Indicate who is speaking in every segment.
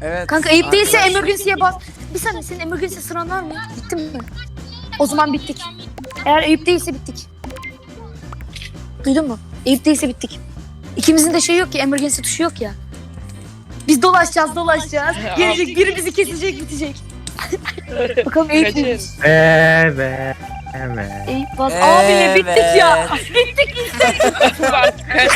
Speaker 1: Evet.
Speaker 2: Kanka ayıp değilse
Speaker 1: arkadaş.
Speaker 2: emergency'ye bas. Bir saniye, senin emergency sıran var mı? Bitti mi? O zaman bittik. Eğer ayıp değilse bittik. Duydun mu? Ayıp değilse bittik. İkimizin de şey yok ki, emergency tuşu yok ya. Biz dolaşacağız. Gelecek biri bizi kesecek, bitecek. Bakalım ayıp
Speaker 3: Kaçın.
Speaker 2: mıymış?
Speaker 4: Evet.
Speaker 2: Ayıp bas. Abi ne bittik ya.
Speaker 1: Evet.
Speaker 2: Bittik.
Speaker 3: Bak kaç.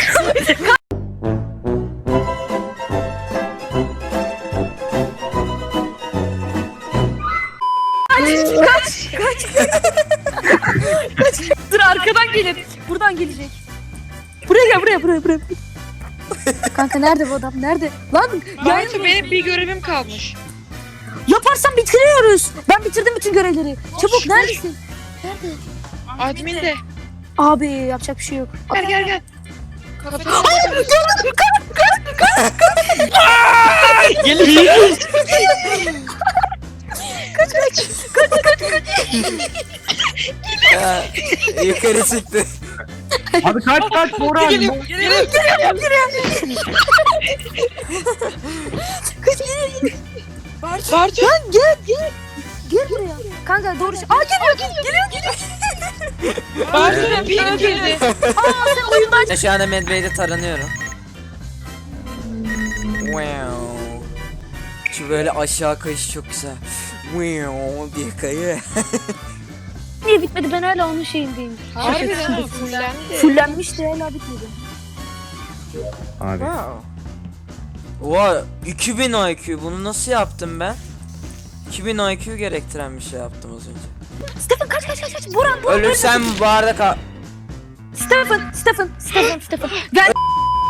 Speaker 2: Dur, arkadan gelir. Buradan gelecek. Buraya gel. Kanka nerede bu adam? Nerede? Lan
Speaker 3: Bartu benim bir görevim kalmış.
Speaker 2: yaparsan bitiriyoruz. Ben bitirdim bütün görevleri. Çabuk, neredesin?
Speaker 3: Admin de.
Speaker 2: Abi yapacak bir şey yok.
Speaker 3: Gel. Kafede
Speaker 4: Gelin.
Speaker 1: Ya, yukarı çıktı.
Speaker 4: Abi kaç Boran.
Speaker 3: geliyorum. Bartu.
Speaker 2: Gel buraya. Kanka doğru şey. Aa geliyor.
Speaker 3: Bartu'nun ping girdi.
Speaker 2: Aa sen oyundan.
Speaker 1: Ben şu anda Medbay'de taranıyorum. Wow. Şu böyle aşağı kayışı çok güzel. Wow diye kayıyor.
Speaker 2: Niye bitmedi? Ben hala onun şeyindeyim.
Speaker 3: Harbiden ha fullendi.
Speaker 2: Fullenmişti, hala bitmedi.
Speaker 4: Abi.
Speaker 1: Wow. Oha 2000 IQ, bunu nasıl yaptım ben? 2000 IQ gerektiren bir şey yaptım az önce.
Speaker 2: Stefan kaç. Boran.
Speaker 1: Ölürsem bu arada
Speaker 2: Stefan. Gel.